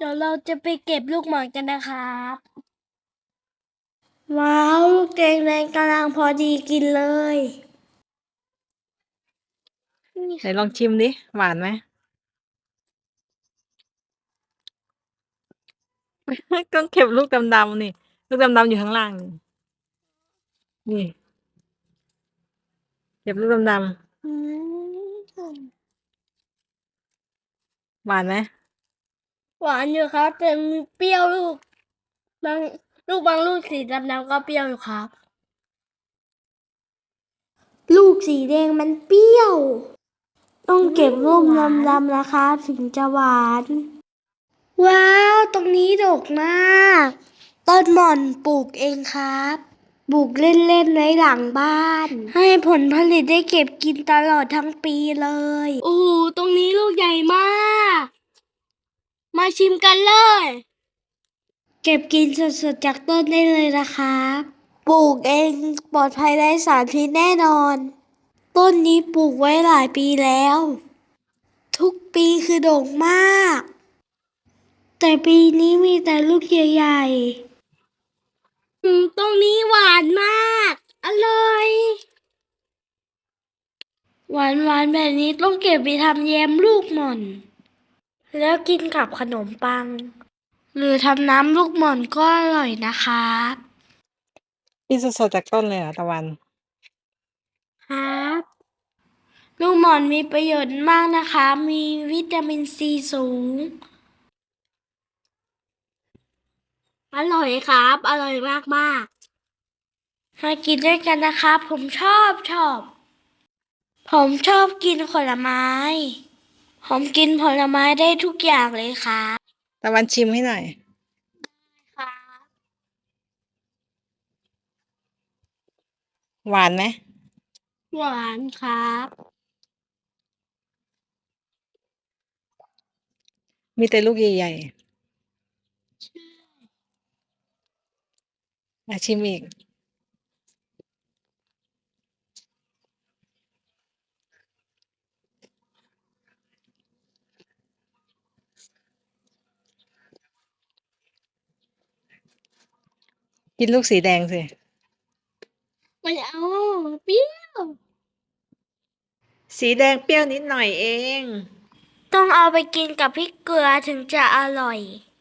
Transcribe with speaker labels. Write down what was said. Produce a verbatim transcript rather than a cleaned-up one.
Speaker 1: เดี๋ยวเราจะไปเก็บลูกหม่อนกันนะครับว้าวลูกแดงแดงกำลังพอดีกินเลย
Speaker 2: ไหนลองชิมดิหวานไหม ต้องเก็บลูกดำๆนี่ลูกดำๆอยู่ข้างล่างนี่นี่เก็บลูกดำ
Speaker 1: อืม
Speaker 2: ๆหวานไหม
Speaker 1: หวานอยู่ครับแต่มีเปรี้ยวลูกบางลูกบางลูกสีดำๆก็เปรี้ยวอยู่ครับลูกสีแดงมันเปรี้ยวต้องเก็บลูกดำๆนะคะถึงจะหวานว้าวตรงนี้ดกมากต้นหม่อนปลูกเองครับปลูกเล่นๆไว้หลังบ้านให้ผลผลิตได้เก็บกินตลอดทั้งปีเลยโอ้โหตรงนี้ลูกใหญ่มากมาชิมกันเลยเก็บกินสดๆจากต้นได้เลยนะครับปลูกเองปลอดภัยไร้สารพิษแน่นอนต้นนี้ปลูกไว้หลายปีแล้วทุกปีคือโด่งมากแต่ปีนี้มีแต่ลูกใหญ่ๆอืมตรงนี้หวานมากอร่อยหวานหวานแบบนี้ต้องเก็บไปทำแยมลูกหม่อนแล้วกินกับขนมปังหรือทำน้ำลูกหม่อนก็อร่อยนะคะ
Speaker 2: กินสดๆจากต้นเลยเหรอตะวัน
Speaker 1: ครับลูกหม่อนมีประโยชน์มากนะคะมีวิตามินซีสูงอร่อยครับอร่อยมากๆมากินด้วยกันนะครับผมชอบชอบ ผมชอบกินผลไม้ ผมกินผลไม้ได้ทุกอย่างเลยครับ
Speaker 2: ตะวันชิมให้หน่อย
Speaker 1: ครับ
Speaker 2: หวานไหม
Speaker 1: หวานครับ
Speaker 2: มีแต่ลูกใหญ่ๆอ่ะชิมอีกกินลูกสีแดงสิ
Speaker 1: ไม่เอาเปรี้ยว
Speaker 2: สีแดงเปรี้ยวนิดหน่อยเอง
Speaker 1: ต้องเอาไปกินกับพริกเกลือถึงจะอร่อย